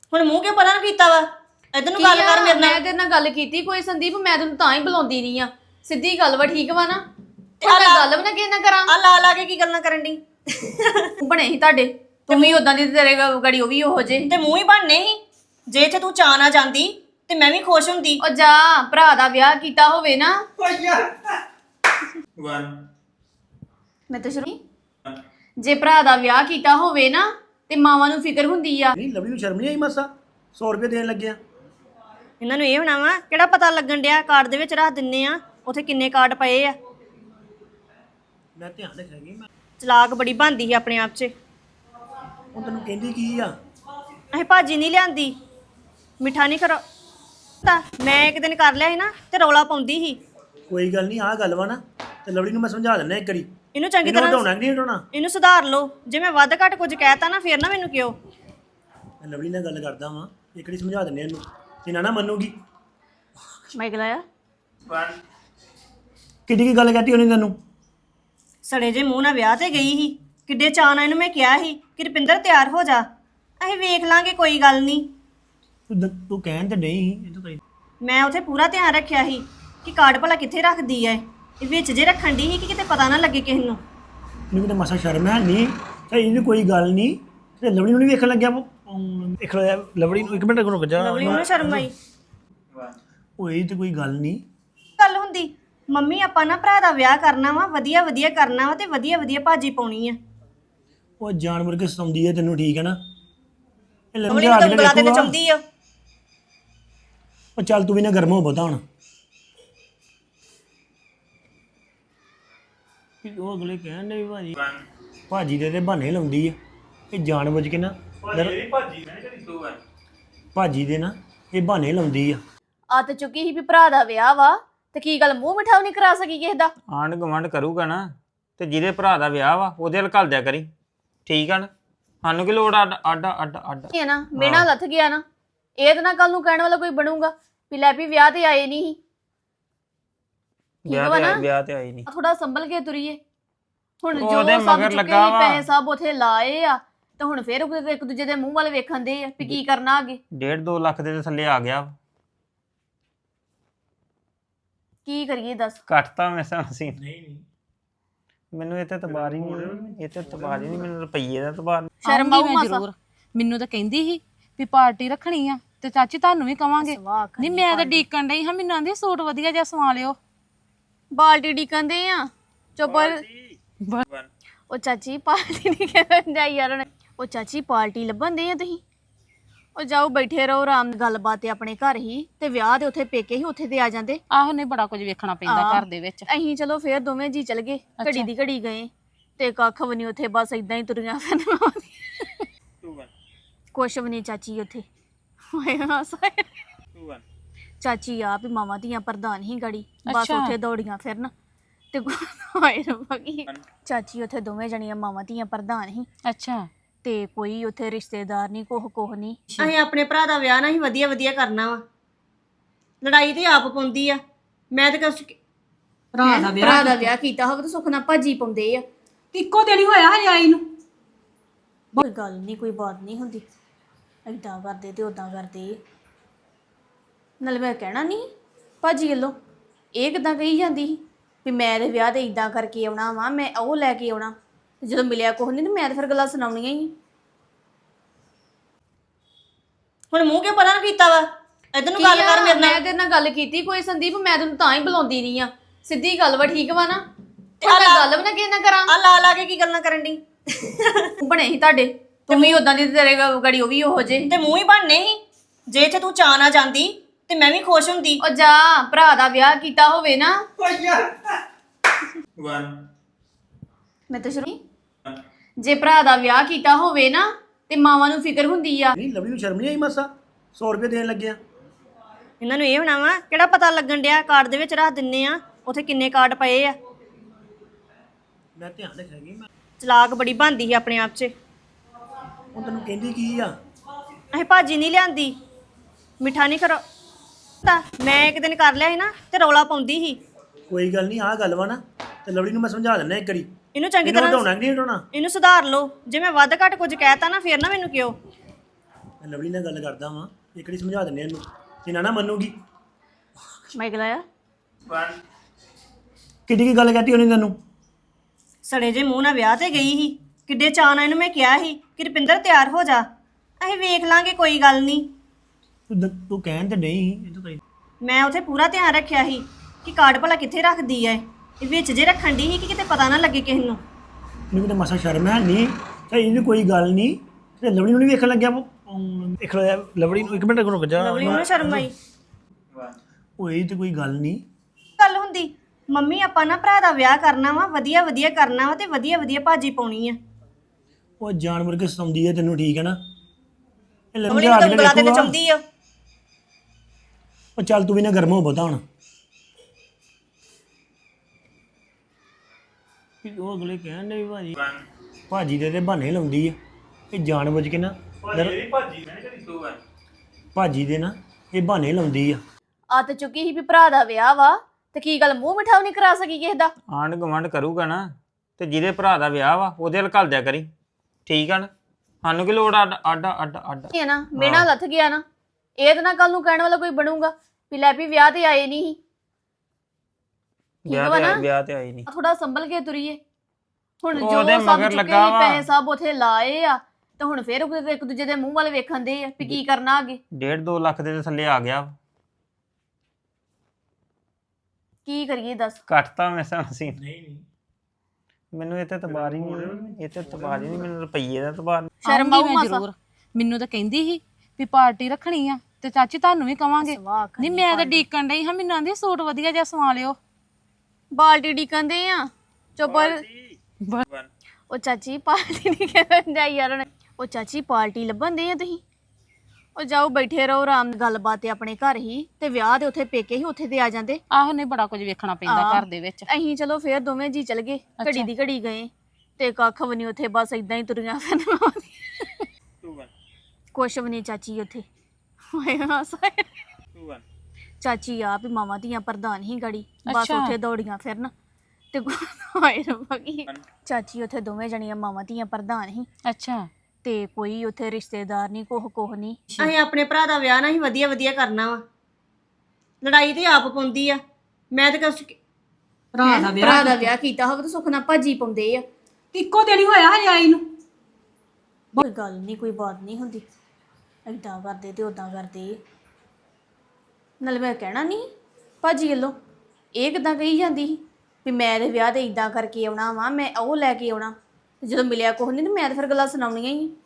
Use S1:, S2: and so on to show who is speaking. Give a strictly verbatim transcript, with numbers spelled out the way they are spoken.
S1: ਹੁਣ ਮੂੰਹ ਕਿਉਂ ਪਰਾਂ ਕੀਤਾ ਵਾ? ਇਧਰ ਨੂੰ ਗੱਲ ਕਰ ਮੇਰੇ ਨਾਲ।
S2: ਮੈਂ ਤੇਰੇ ਨਾਲ ਗੱਲ ਕੀਤੀ ਕੋਈ ਸੰਦੀਪ, ਮੈਂ ਤੈਨੂੰ ਤਾਂ ਹੀ ਬੁਲਾਉਂਦੀ ਨਹੀਂ ਆ। ਸਿੱਧੀ ਗੱਲ ਵਾ, ਠੀਕ ਵਾ ਨਾ?
S1: ਤੇ
S2: ਮੈਂ ਗੱਲ ਵੀ ਨਾ ਕਿਸੇ ਨਾਲ ਕਰਾਂ।
S1: ਆ ਲਾ ਲਾ ਕੇ ਕੀ ਗੱਲਾਂ ਕਰਨ ਦੀ?
S2: ਬਣੇ ਸੀ ਤੁਹਾਡੇ, ਤੂੰ ਵੀ ਉਦਾਂ ਦੀ, ਤੇਰੇ ਗੜੀ ਉਹ ਵੀ ਉਹੋ ਜੇ
S1: ਤੇ ਮੂੰਹ ਹੀ ਬਣਨੇ ਸੀ। ਜੇ ਇੱਥੇ ਤੂੰ ਚਾਹ ਨਾ ਜਾਂਦੀ ਤੇ ਮੈਂ ਵੀ ਖੁਸ਼ ਹੁੰਦੀ।
S2: ਉਹ ਜਾ, ਭਰਾ ਦਾ ਵਿਆਹ ਕੀਤਾ ਹੋਵੇ ਨਾ। ਮੈਂ ਤਾਂ ਸ਼ੁਰੂ ਜੇ ਭਰਾ ਦਾ ਵਿਆਹ ਕੀਤਾ ਹੋਵੇ ਨਾ ਤੇ ਮਾਵਾਂ ਨੂੰ ਫਿਕਰ ਹੁੰਦੀ ਆ।
S3: ਨਹੀਂ ਲਵਲੀ ਨੂੰ ਸ਼ਰਮ ਨਹੀਂ ਆਈ ਮਾਸਾ? ਸੌ ਰੁਪਏ ਦੇਣ ਲੱਗਿਆ।
S1: ਇਹਨਾਂ ਨੂੰ ਇਹ ਹੋਣਾ ਵਾ ਕਿਹੜਾ ਪਤਾ ਲੱਗਣ ਡਿਆ, ਕਾਰਡ ਦੇ ਵਿੱਚ ਰੱਖ ਦਿੰਨੇ ਆ, ਉੱਥੇ ਕਿੰਨੇ ਕਾਰਡ ਪਏ ਆ।
S3: ਮੈਂ ਧਿਆਨ ਰੱਖਾਂਗੀ। ਮੈਂ
S1: ਚਲਾਕ ਬੜੀ ਬਣਦੀ ਸੀ ਆਪਣੇ ਆਪ 'ਚ।
S3: ਹੁਣ ਤੈਨੂੰ ਕਹਿੰਦੀ ਕੀ ਆ?
S1: ਅਸੀਂ ਭਾਜੀ ਨਹੀਂ ਲਿਆਂਦੀ, ਮਿੱਠਾ ਨਹੀਂ ਕਰੋ ਤਾਂ ਮੈਂ ਇੱਕ ਦਿਨ ਕਰ ਲਿਆ ਸੀ ਨਾ ਤੇ ਰੌਲਾ ਪਾਉਂਦੀ ਸੀ।
S3: ਕੋਈ ਗੱਲ ਨਹੀਂ, ਆਹ ਗੱਲ ਵਾ ਨਾ ਤੇ ਲਵਲੀ ਨੂੰ ਮੈਂ ਸਮਝਾ ਦਿੰਦਾ ਇੱਕ ਵਾਰੀ।
S1: ਇਹਨੂੰ ਚੰਗੀ
S3: ਇਹਨੂੰ
S1: ਤਰ੍ਹਾਂ
S3: ਹਟਾਉਣਾ ਕਿ ਨਹੀਂ ਹਟਾਉਣਾ?
S1: ਇਹਨੂੰ ਸੁਧਾਰ ਲਓ। ਜੇ ਮੈਂ ਵੱਧ ਘੱਟ ਕੁਝ ਕਹਿਤਾ ਨਾ ਫੇਰ ਨਾ ਮੈਨੂੰ ਕਿਉਂ।
S3: ਮੈਂ ਲਵਲੀ ਨਾਲ ਗੱਲ ਕਰਦਾ ਵਾਂ, ਇੱਕ ਵਾਰੀ ਸਮਝਾ ਦਿੰਦੇ ਇਹਨੂੰ, ਇਹ ਨਾ ਨਾ ਮੰਨੂਗੀ।
S1: ਮਾਈਕ ਲਾਇਆ।
S3: ਕਿੱਡੀ ਕੀ ਗੱਲ ਕਹਤੀ ਉਹਨੇ ਤੈਨੂੰ?
S1: ਸੜੇ ਜੇ ਮੂੰਹ ਨਾਲ ਵਿਆਹ ਤੇ ਗਈ ਸੀ, ਕਿੱਡੇ ਚਾਅ ਨਾਲ ਇਹਨੂੰ ਮੈਂ ਕਿਹਾ ਸੀ ਕਿ ਰੁਪਿੰਦਰ ਤਿਆਰ ਹੋ ਜਾ, ਅਸੀਂ ਵੇਖ ਲਾਂਗੇ ਕੋਈ ਗੱਲ ਨਹੀਂ।
S3: ਤੂੰ ਦ- ਤੂੰ ਕਹਿਣ ਤੇ ਨਹੀਂ ਸੀ, ਇਹ ਤੂੰ ਕਰੀ।
S1: ਮੈਂ ਉੱਥੇ ਪੂਰਾ ਧਿਆਨ ਰੱਖਿਆ ਸੀ ਕਿ ਕਾਰਡ ਭਲਾ ਕਿੱਥੇ ਰੱਖਦੀ ਐ, ਇਹ ਵਿੱਚ ਜੇ ਰੱਖਣ ਦੀ ਸੀ ਕਿ ਕਿਤੇ ਪਤਾ ਨਾ ਲੱਗੇ ਕਿਸੇ ਨੂੰ।
S3: ਇਹਨੂੰ ਕਿਤੇ ਮਾਸਾ ਸ਼ਰਮ ਹੈ ਨਹੀਂ? ਤੇ ਇਹਨੂੰ ਕੋਈ ਗੱਲ ਨਹੀਂ, ਤੇ ਲਵਲੀ ਨੂੰ ਨਹੀਂ ਵੇਖਣ ਲੱਗਿਆ। ਇੱਕ ਲਵਲੀ ਨੂੰ ਇੱਕ ਮਿੰਟ ਰੁਕ ਜਾ।
S1: ਲਵਲੀ ਨੂੰ ਸ਼ਰਮ ਆਈ।
S3: ਉਹ ਇਹ ਤੇ ਕੋਈ ਗੱਲ ਨਹੀਂ।
S1: ਗੱਲ ਹੁੰਦੀ ਮੰਮੀ ਆਪਾਂ ਨਾ ਭਰਾ ਦਾ ਵਿਆਹ ਕਰਨਾ ਵਾ, ਵਧੀਆ ਵਧੀਆ ਕਰਨਾ ਵਾ ਤੇ ਵਧੀਆ ਵਧੀਆ ਭਾਜੀ ਪਾਉਣੀ ਆ।
S3: ਉਹ ਜਾਨਵਰ ਕੇ ਸਤਾਉਂਦੀ ਹੈ ਤੈਨੂੰ, ਠੀਕ ਹੈ ਨਾ? ਇਹ
S1: ਲਵਲੀ
S3: ਲੰਘਾ
S1: ਨੂੰ
S3: ਕੇ
S1: ਉਂਗਲਾਂ ਤੇ
S3: ਵੇਖੂਗਾ।
S1: ਨਚਾਉਂਦੀ ਆ।
S3: ਉਹ ਚੱਲ ਤੂੰ ਵੀ ਨਾ ਗਰਮ ਹੋ ਬਹੁਤਾ ਹੁਣ। ਉਹ ਅਗਲੇ ਕਹਿਣ ਦੇ ਭਾਜੀ ਭਾਜੀ ਦੇ ਤੇ ਬਹਾਨੇ ਲਾਉਂਦੀ ਆ। ਇਹ ਜਾਣ ਬੁੱਝ ਕੇ ਨਾ ਭਾਜੀ ਦੇ ਨਾ ਇਹ ਬਹਾਨੇ ਲਾਉਂਦੀ ਆ।
S2: ਆ ਤੇ ਚੁੱਕੀ ਸੀ ਵੀ ਭਰਾ ਦਾ ਵਿਆਹ ਵਾ ਤੇ ਕੀ ਗੱਲ ਮੂੰਹ ਮਿਠਾਉ ਨਹੀਂ ਕਰਾ ਸਕੀ ਕਿਸੇ ਦਾ?
S4: ਆਂਢ ਗੁਆਂਢ ਕਰੂਗਾ ਨਾ ਤੇ ਜਿਹਦੇ ਭਰਾ ਦਾ ਵਿਆਹ ਵਾ ਉਹਦੇ ਵੱਲ ਘੱਲ ਦਿਆ ਕਰੀ, ਠੀਕ ਆ ਨਾ? ਸਾਨੂੰ ਕੀ ਲੋੜ ਅੱਡ ਅੱਡ ਅੱਡ ਅੱਡ
S2: ਇਹ ਨਾ ਮੇਣਾ ਲੱਥ ਗਿਆ ਨਾ, ਇਹ ਤਾਂ ਨਾ ਕੱਲ ਨੂੰ ਕਹਿਣ ਵਾਲਾ ਕੋਈ ਬਣੂਗਾ ਵੀ ਲੈ ਵੀ ਵਿਆਹ ਤੇ ਆਏ ਨਹੀਂ।
S4: ਵਿਆਹ ਤੇ ਆਈ- ਵਿਆਹ ਤੇ ਆਈ ਨਹੀਂ।
S2: ਥੋੜਾ ਸੰਭਲ ਕੇ ਤੁਰੀਏ ਹੁਣ। ਜੋ
S4: ਉਹਦੇ
S2: ਸਭ
S4: ਮਗਰ
S2: ਚੁੱਕੇ
S4: ਲੱਗਾ
S2: ਸੀ
S4: ਵਾ।
S2: ਪੈਸੇ ਸਭ ਉਥੇ ਲਾਏ ਆ ਤੇ ਹੁਣ ਫੇਰ ਇੱਕ ਦੂਜੇ ਦੇ ਮੂੰਹ ਵੱਲ ਵੇਖਣ ਦੇ ਆ ਵੀ ਕੀ ਕਰਨਾ ਅੱਗੇ।
S4: ਡੇਢ ਦੋ ਲੱਖ ਦੇ ਥੱਲੇ ਆ ਗਿਆ।
S2: ਕੀ ਕਰੀਏ ਦੱਸ?
S4: ਕੱਟਤਾ ਮੈਂ ਸੀ। ਨਹੀਂ ਨਹੀਂ ਮੈਨੂੰ ਇਹ ਤੇ ਤਬਾਰ ਹੀ ਨਹੀਂ, ਇਹ ਤੇ ਤਬਾਰ ਹੀ ਨਹੀਂ, ਮੈਨੂੰ ਰੁਪਈਏ ਦਾ ਤਬਾਰ।
S2: ਸ਼ਰਮ ਆਊ
S5: ਮੈਂ
S2: ਮਾਸਾ।
S5: ਜ਼ਰੂਰ, ਮੈਨੂੰ ਤਾਂ ਕਹਿੰਦੀ ਸੀ ਵੀ ਪਾਰਟੀ ਰੱਖਣੀ ਆ ਤੇ ਚਾਚੀ ਤੁਹਾਨੂੰ ਵੀ ਕਵਾਂਗੇ। ਨਹੀਂ ਮੈਂ ਤਾਂ ਡੀਕਣ ਡਈ ਹਾਂ, ਮੈਨੂੰ ਆਂਦੀ ਸੂਟ ਵਧੀਆ ਜਿਹਾ ਸਵਾ ਲਿਓ।
S2: ਬਾਲਟੀ ਡੀਕਣ ਦੇ ਆ ਚੁੱਪ। ਉਹ ਚਾਚੀ ਪਾਰਟੀ ਨਹੀਂ ਕਰਨ ਜਾਈ ਯਾਰ ਉਹਨੇ। ਉਹ ਚਾਚੀ ਪਾਰਟੀ ਲੱਭਣ ਦੇ ਆ ਤੁਸੀਂ? ਉਹ ਜਾਓ ਬੈਠੇ ਰਹੋ ਆਰਾਮ ਨਾਲ, ਗੱਲਬਾਤ ਆਪਣੇ ਘਰ ਹੀ ਤੇ ਵਿਆਹ ਦੇ ਉੱਥੇ ਪੇਕੇ ਹੀ ਉੱਥੇ ਤੇ ਆ ਜਾਂਦੇ।
S5: ਆਹੋ ਨਹੀਂ ਬੜਾ ਕੁਝ ਵੇਖਣਾ ਪੈਂਦਾ ਘਰ ਦੇ ਵਿੱਚ।
S2: ਅਸੀਂ ਚਲੋ ਫੇਰ ਦੋਵੇਂ ਜੀ ਚਲ ਗਏ, ਘੜੀ ਦੀ ਘੜੀ ਗਏ ਤੇ ਕੱਖ ਵੀ ਨਹੀਂ ਉੱਥੇ, ਬਸ ਇਦਾਂ ਹੀ ਤੁਰੀਆਂ ਫਿਰਨਾ। ਕੁਛ ਵੀ ਨਹੀਂ ਚਾਚੀ ਉੱਥੇ। ਚਾਚੀ ਆਪ ਹੀ ਮਾਵਾਂ ਦੀਆਂ ਪ੍ਰਧਾਨ ਹੀ ਗੜੀ, ਬਸ ਉੱਥੇ ਦੌੜੀਆਂ ਫਿਰਨ ਤੇ ਹਾਏ ਰੱਬਾ ਕੀ। ਚਾਚੀ ਉੱਥੇ ਦੋਵੇਂ ਜਣੀਆਂ ਮਾਵਾਂ ਦੀਆਂ ਪ੍ਰਧਾਨ ਹੀ।
S5: ਅੱਛਾ।
S2: ਤੇ ਕੋਈ ਉੱਥੇ ਰਿਸ਼ਤੇਦਾਰ ਨਹੀਂ, ਕੋਹ ਕੋਹ ਨਹੀਂ।
S1: ਅਸੀਂ ਆਪਣੇ ਭਰਾ ਦਾ ਵਿਆਹ ਨਾ ਹੀ ਵਧੀਆ ਵਧੀਆ ਕਰਨਾ ਵਾ, ਲੜਾਈ ਤੇ ਆਪ ਪਾਉਂਦੀ ਆ। ਮੈਂ ਤੇ ਕੁਛ
S6: ਭਰਾ ਦਾ ਵਿਆਹ
S2: ਭਰਾ ਦਾ ਵਿਆਹ ਕੀਤਾ ਹੋਵੇ ਤਾਂ ਸੁੱਖ ਨਾਲ ਭਾਜੀ ਪਾਉਂਦੇ ਆ।
S6: ਇੱਕੋ ਦਿਨ ਹੀ ਹੋਇਆ ਹਜੇ ਆਈ ਨੂੰ।
S1: ਕੋਈ ਗੱਲ ਨਹੀਂ, ਕੋਈ ਬਾਤ ਨਹੀਂ ਹੁੰਦੀ। ਏਦਾਂ ਕਰਦੇ ਤੇ ਉਦਾਂ ਕਰਦੇ।
S2: ਨਾਲੇ ਮੈਂ ਕਹਿਣਾ ਨਹੀਂ ਭਾਜੀ ਵੱਲੋਂ ਇਹ ਕਿੱਦਾਂ ਕਹੀ ਜਾਂਦੀ ਸੀ ਵੀ ਮੈਂ ਇਹਦੇ ਵਿਆਹ ਤੇ ਇਦਾਂ ਕਰਕੇ ਆਉਣਾ ਵਾ, ਮੈਂ ਉਹ ਲੈ ਕੇ ਆਉਣਾ। ਜਦੋਂ ਮਿਲਿਆ ਕੁਛ ਨਹੀਂ ਤੇ ਮੈਂ ਤਾਂ ਫਿਰ ਗੱਲਾਂ ਸੁਣਾਉਣੀਆਂ ਹੀ।
S1: ਹੁਣ ਮੂੰਹ ਕਿਉਂ ਪਰਾਂ ਕੀਤਾ ਵਾ? ਇਧਰ ਨੂੰ ਗੱਲ ਕਰ ਮੇਰੇ ਨਾਲ।
S2: ਮੈਂ ਤੇਰੇ ਨਾਲ ਗੱਲ ਕੀਤੀ ਕੋਈ ਸੰਦੀਪ, ਮੈਂ ਤੈਨੂੰ ਤਾਂ ਹੀ ਬੁਲਾਉਂਦੀ ਨਹੀਂ ਆ। ਸਿੱਧੀ ਗੱਲ ਵਾ, ਠੀਕ ਵਾ ਨਾ?
S1: ਤੇ
S2: ਮੈਂ ਗੱਲ ਵੀ ਨਾ ਕਿਸੇ ਨਾਲ ਕਰਾਂ।
S1: ਆ ਲਾ ਲਾ ਕੇ ਕੀ ਗੱਲਾਂ ਕਰਨ ਦੀ?
S2: ਬਣੇ ਸੀ ਤੁਹਾਡੇ, ਤੂੰ ਵੀ ਉਦਾਂ ਦੀ, ਤੇਰੇ ਗੜੀ ਉਹ ਵੀ ਉਹੋ ਜੇ
S1: ਤੇ ਮੂੰਹ ਹੀ ਬਣਨੇ ਸੀ। ਜੇ ਇੱਥੇ ਤੂੰ ਚਾਹ ਨਾ ਜਾਂਦੀ ਤੇ ਮੈਂ ਵੀ ਖੁਸ਼ ਹੁੰਦੀ।
S2: ਉਹ ਜਾ, ਭਰਾ ਦਾ ਵਿਆਹ ਕੀਤਾ ਹੋਵੇ ਨਾ। ਮੈਂ ਤਾਂ ਸ਼ੁਰੂ ਜੇ ਭਰਾ ਦਾ ਵਿਆਹ ਕੀਤਾ ਹੋਵੇ ਨਾ ਤੇ ਮਾਵਾਂ ਨੂੰ ਫਿਕਰ ਹੁੰਦੀ ਆ।
S3: ਨਹੀਂ ਲਵਲੀ ਨੂੰ ਸ਼ਰਮ ਨਹੀਂ ਆਈ ਮਾਸਾ? ਸੌ ਰੁਪਏ ਦੇਣ ਲੱਗਿਆ।
S1: ਇਹਨਾਂ ਨੂੰ ਇਹ ਹੋਣਾ ਵਾ ਕਿਹੜਾ ਪਤਾ ਲੱਗਣ ਡਿਆ, ਕਾਰਡ ਦੇ ਵਿੱਚ ਰੱਖ ਦਿੰਨੇ ਆ, ਉੱਥੇ ਕਿੰਨੇ ਕਾਰਡ ਪਏ ਆ।
S3: ਮੈਂ ਧਿਆਨ ਰੱਖਾਂਗੀ। ਮੈਂ
S1: ਚਲਾਕ ਬੜੀ ਬਣਦੀ ਸੀ ਆਪਣੇ ਆਪ 'ਚ।
S3: ਹੁਣ ਤੈਨੂੰ ਕਹਿੰਦੀ ਕੀ ਆ?
S1: ਅਸੀਂ ਭਾਜੀ ਨਹੀਂ ਲਿਆਂਦੀ, ਮਿੱਠਾ ਨਹੀਂ ਕਰੋ ਤਾਂ ਮੈਂ ਇੱਕ ਦਿਨ ਕਰ ਲਿਆ ਸੀ ਨਾ ਤੇ ਰੌਲਾ ਪਾਉਂਦੀ ਸੀ।
S3: ਕੋਈ ਗੱਲ ਨਹੀਂ, ਆਹ ਗੱਲ ਵਾ ਨਾ ਤੇ ਲਵਲੀ ਨੂੰ ਮੈਂ ਸਮਝਾ ਦਿੰਦਾ ਇੱਕ ਵਾਰੀ।
S1: ਇਹਨੂੰ ਚੰਗੀ
S3: ਇਹਨੂੰ
S1: ਤਰ੍ਹਾਂ
S3: ਹਟਾਉਣਾ ਕਿ ਨਹੀਂ ਹਟਾਉਣਾ?
S1: ਇਹਨੂੰ ਸੁਧਾਰ ਲਓ। ਜੇ ਮੈਂ ਵੱਧ ਘੱਟ ਕੁਝ ਕਹਿਤਾ ਨਾ ਫੇਰ ਨਾ ਮੈਨੂੰ ਕਿਉਂ।
S3: ਮੈਂ ਲਵਲੀ ਨਾਲ ਗੱਲ ਕਰਦਾ ਵਾਂ ਇੱਕ ਵਾਰੀ ਸਮਝਾ ਦਿੰਦੇ ਇਹਨੂੰ ਜੇ ਨਾ ਨਾ ਮੰਨੂਗੀ
S2: ਮਾਈਕ ਲਾਇਆ
S3: ਕਿੱਡੀ ਕੀ ਗੱਲ ਕਹਤੀ ਉਹਨੇ ਤੈਨੂੰ
S1: ਸੜੇ ਜੇ ਮੂੰਹ ਨਾਲ ਵਿਆਹ ਤੇ ਗਈ ਸੀ ਕਿੱਡੇ ਚਾਅ ਨਾਲ ਇਹਨੂੰ ਮੈਂ ਕਿਹਾ ਸੀ ਕਿ ਰੁਪਿੰਦਰ ਤਿਆਰ ਹੋ ਜਾ ਅਸੀਂ ਵੇਖ ਲਾਂਗੇ ਕੋਈ ਗੱਲ ਨਹੀਂ।
S3: ਤੂੰ ਦ- ਤੂੰ ਕਹਿਣ ਤੇ ਨਹੀਂ ਇਹ ਤੂੰ ਕਰੀ
S1: ਮੈਂ ਉੱਥੇ ਪੂਰਾ ਧਿਆਨ ਰੱਖਿਆ ਸੀ ਕਿ ਕਾਰਡ ਭਲਾ ਕਿੱਥੇ ਰੱਖਦੀ ਐ ਇਹ ਵਿੱਚ ਜੇ ਰੱਖਣ ਦੀ ਸੀ ਕਿ ਕਿਤੇ ਪਤਾ ਨਾ ਲੱਗੇ ਕਿਸੇ ਨੂੰ।
S3: ਮੈਨੂੰ ਤਾਂ ਮਸਾ ਸ਼ਰਮ ਹੈ ਨਹੀਂ ਤੇ ਇਹਦੀ ਕੋਈ ਗੱਲ ਨਹੀਂ ਤੇ ਲਵਲੀ ਨੂੰ ਨਹੀਂ ਵੇਖਣ ਲੱਗਿਆ ਇੱਕ ਲਵਲੀ ਨੂੰ ਇੱਕ ਮਿੰਟ ਰੁਕ ਜਾ
S1: ਲਵਲੀ ਨੂੰ ਨੀ ਸ਼ਰਮ ਆਈ।
S3: ਉਹ ਇਹ ਤੇ ਕੋਈ ਗੱਲ ਨਹੀਂ
S1: ਗੱਲ ਹੁੰਦੀ ਮੰਮੀ ਆਪਾਂ ਨਾ ਭਰਾ ਦਾ ਵਿਆਹ ਕਰਨਾ ਵਾ ਵਧੀਆ ਵਧੀਆ ਕਰਨਾ ਵਾ ਤੇ ਵਧੀਆ ਵਧੀਆ ਭਾਜੀ ਪਾਉਣੀ ਆ।
S3: ਉਹ ਜਾਨਵਰ ਕੇ ਸਤਾਉਂਦੀ ਹੈ ਤੈਨੂੰ ਠੀਕ ਹੈ ਨਾ ਇਹ
S1: ਲਵਲੀ
S3: ਲਵਲੀ
S1: ਨੂੰ ਤਾਂ ਉਂਗਲਾਂ ਤੇ ਨਚਾਉਂਦੀ ਆ।
S3: ਉਹ ਚੱਲ ਤੂੰ ਵੀ ਨਾ ਗਰਮ ਹੋ ਬਹੁਤਾ ਹੁਣ ਵੀ ਉਹ ਅਗਲੇ ਕਹਿਣ ਦੇ ਭਾਜੀ ਭਾਜੀ ਦੇ ਤੇ ਬਹਾਨੇ ਲਾਉਂਦੀ ਆ ਇਹ ਜਾਣ ਬੁੱਝ ਕੇ ਨਾ ਭਾਜੀ ਦੇ ਨਾ ਇਹ ਬਹਾਨੇ ਲਾਉਂਦੀ ਆ
S2: ਆ ਤੇ ਚੁੱਕੀ ਸੀ ਵੀ ਭਰਾ ਦਾ ਵਿਆਹ ਵਾ ਤੇ ਕੀ ਗੱਲ ਮੂੰਹ ਮਿਠਾਉ ਨਹੀਂ ਕਰਾ ਸਕੀ ਕਿਸੇ ਦਾ।
S4: ਆਂਢ ਗੁਆਂਢ ਕਰੂਗਾ ਨਾ ਤੇ ਜਿਹਦੇ ਭਰਾ ਦਾ ਵਿਆਹ ਵਾ ਉਹਦੇ ਵੱਲ ਘੱਲ ਦਿਆ ਕਰੀ ਠੀਕ ਆ ਨਾ ਸਾਨੂੰ ਕੀ ਲੋੜ ਅੱਡ ਅੱਡ ਅੱਡ ਅੱਡ
S2: ਇਹ ਨਾ ਮੇਣਾ ਲੱਥ ਗਿਆ ਨਾ ਇਹ ਤਾਂ ਨਾ ਕੱਲ ਨੂੰ ਕਹਿਣ ਵਾਲਾ ਕੋਈ ਬਣੂਗਾ ਵੀ ਲੈ ਵੀ ਵਿਆਹ ਤੇ ਆਏ ਨਹੀਂ
S4: ਵਿਆਹ ਤੇ ਆਈ- ਵਿਆਹ ਤੇ ਆਈ ਨਹੀਂ
S2: ਥੋੜਾ ਸੰਭਲ ਕੇ ਤੁਰੀਏ ਹੁਣ ਜੋ
S4: ਉਹਦੇ
S2: ਸਭ
S4: ਮਗਰ
S2: ਚੁੱਕੇ
S4: ਲੱਗਾ
S2: ਸੀ
S4: ਵਾ।
S2: ਪੈਸੇ ਸਭ ਉਥੇ ਲਾਏ ਆ ਤੇ ਹੁਣ ਫੇਰ ਉਹ ਇੱਕ ਦੂਜੇ ਦੇ ਮੂੰਹ ਵੱਲ ਵੇਖਣ ਦੇ ਆ ਵੀ ਕੀ ਕਰਨਾ ਅੱਗੇ
S4: ਡੇਢ ਦੋ ਲੱਖ ਦੇ ਥੱਲੇ ਆ ਗਿਆ ਵਾ।
S2: ਕੀ ਕਰੀਏ ਦੱਸ।
S4: ਕੱਟਤਾ ਮੈਂ ਸਾਂ ਸੀ
S3: ਨਹੀਂ ਨਹੀਂ
S4: ਮੈਨੂੰ ਇਹ ਤੇ ਤਬਾਰ ਹੀ ਨਹੀਂ ਇਹ ਤੇ ਤਬਾਰ ਹੀ ਨਹੀਂ ਮੈਨੂੰ ਰੁਪਈਏ ਦਾ ਤਬਾਰ
S2: ਸ਼ਰਮ
S5: ਆਊਂਗੀ
S2: ਆਊ
S5: ਮੈਂ
S2: ਮਾਸਾ।
S5: ਜ਼ਰੂਰ ਮੈਨੂੰ ਤਾਂ ਕਹਿੰਦੀ ਸੀ ਵੀ ਪਾਰਟੀ ਰੱਖਣੀ ਆ ਤੇ ਚਾਚੀ ਤੁਹਾਨੂੰ ਵੀ ਕਵਾਂਗੇ
S2: ਸਵਾਹ
S5: ਨਹੀਂ ਮੈਂ ਤਾਂ ਡੀਕਣ ਡਈ ਹਾਂ ਮੈਨੂੰ ਆਂਦੀ ਸੂਟ ਵਧੀਆ ਜਿਹਾ ਸਵਾ ਲਿਓ
S2: ਬਾਲਟੀ ਡੀਕੰਦੇ ਆ ਚੁੱਪਰ ਉਹ ਚਾਚੀ ਪਾਰਟੀ ਨਹੀਂ ਕਰਨ ਜਾਈ ਯਾਰ ਉਹਨੇ। ਉਹ ਚਾਚੀ ਪਾਰਟੀ ਲੱਭਣ ਦੇ ਆ ਤੁਸੀਂ ਉਹ ਜਾਓ ਬੈਠੇ ਰਹੋ ਆਰਾਮ ਨਾਲ ਗੱਲਬਾਤ ਤੇ ਆਪਣੇ ਘਰ ਹੀ ਤੇ ਵਿਆਹ ਦੇ ਉੱਥੇ ਪੇਕੇ ਹੀ ਉੱਥੇ ਤੇ ਆ ਜਾਂਦੇ।
S5: ਆਹੋ ਨਹੀਂ ਬੜਾ ਕੁਝ ਵੇਖਣਾ ਪੈਂਦਾ
S2: ਆਹ।
S5: ਘਰ ਦੇ ਵਿੱਚ
S2: ਅਸੀਂ ਚਲੋ ਫੇਰ ਦੋਵੇਂ ਜੀ ਚਲ ਗਏ ਘੜੀ ਦੀ ਘੜੀ ਗਏ ਤੇ ਕੱਖ ਵੀ ਨਹੀਂ ਉੱਥੇ ਬਸ ਇਦਾਂ ਹੀ ਤੁਰੀਆਂ ਫਿਰਨਾ ਕੁਛ ਵੀ ਨਹੀਂ ਚਾਚੀ ਉੱਥੇ ਹਾਏ ਹਾਸਾ ਚਾਚੀ ਆਪ ਹੀ ਮਾਵਾਂ ਦੀਆਂ ਪ੍ਰਧਾਨ ਹੀ ਗੜੀ ਬਸ
S5: ਅੱਛਾ।
S2: ਉੱਥੇ ਦੌੜੀਆਂ ਫਿਰਨ ਤੇ ਹਾਏ ਰੱਬਾ ਕੀ ਚਾਚੀ ਉੱਥੇ ਦੋਵੇਂ ਜਣੀਆਂ ਮਾਵਾਂ ਦੀਆਂ ਪ੍ਰਧਾਨ ਹੀ
S5: ਅੱਛਾ
S2: ਤੇ ਕੋਈ ਉੱਥੇ ਰਿਸ਼ਤੇਦਾਰ ਨਹੀਂ ਕੋਹ ਕੋਹ ਨਹੀਂ।
S1: ਅਸੀਂ ਆਪਣੇ ਭਰਾ ਦਾ ਵਿਆਹ ਨਾ ਹੀ ਵਧੀਆ ਵਧੀਆ ਕਰਨਾ ਵਾ ਲੜਾਈ ਤੇ ਆਪ ਪਾਉਂਦੀ ਆ ਮੈਂ ਤੇ ਕਸ
S6: ਭਰਾ ਦਾ ਵਿਆਹ
S2: ਭਰਾ ਦਾ ਵਿਆਹ ਕੀਤਾ ਹੋਵੇ ਤਾਂ ਸੁੱਖ ਨਾਲ ਭਾਜੀ ਪਾਉਂਦੇ ਆ।
S6: ਇੱਕੋ ਦਿਨ ਹੀ ਹੋਇਆ ਹਜੇ ਆਈ ਨੂੰ।
S2: ਕੋਈ ਗੱਲ ਨਹੀਂ ਕੋਈ ਬਾਤ ਨਹੀਂ ਹੁੰਦੀ ਏਦਾਂ ਕਰਦੇ ਤੇ ਉਦਾਂ ਕਰਦੇ ਨਾਲੇ ਮੈਂ ਕਹਿਣਾ ਨਹੀਂ ਭਾਜੀ ਵੱਲੋਂ ਇਹ ਕਿਦਾਂ ਕਹੀ ਜਾਂਦੀ ਸੀ ਵੀ ਮੈਂ ਇਹਦੇ ਵਿਆਹ ਤੇ ਇਦਾਂ ਕਰਕੇ ਆਉਣਾ ਵਾ ਮੈਂ ਉਹ ਲੈ ਕੇ ਆਉਣਾ ਤੇ ਜਦੋਂ ਮਿਲਿਆ ਕੁਛ ਨਹੀਂ ਤੇ ਮੈਂ ਤਾਂ ਫਿਰ ਗੱਲਾਂ ਸੁਣਾਉਣੀਆਂ ਹੀ ਆ।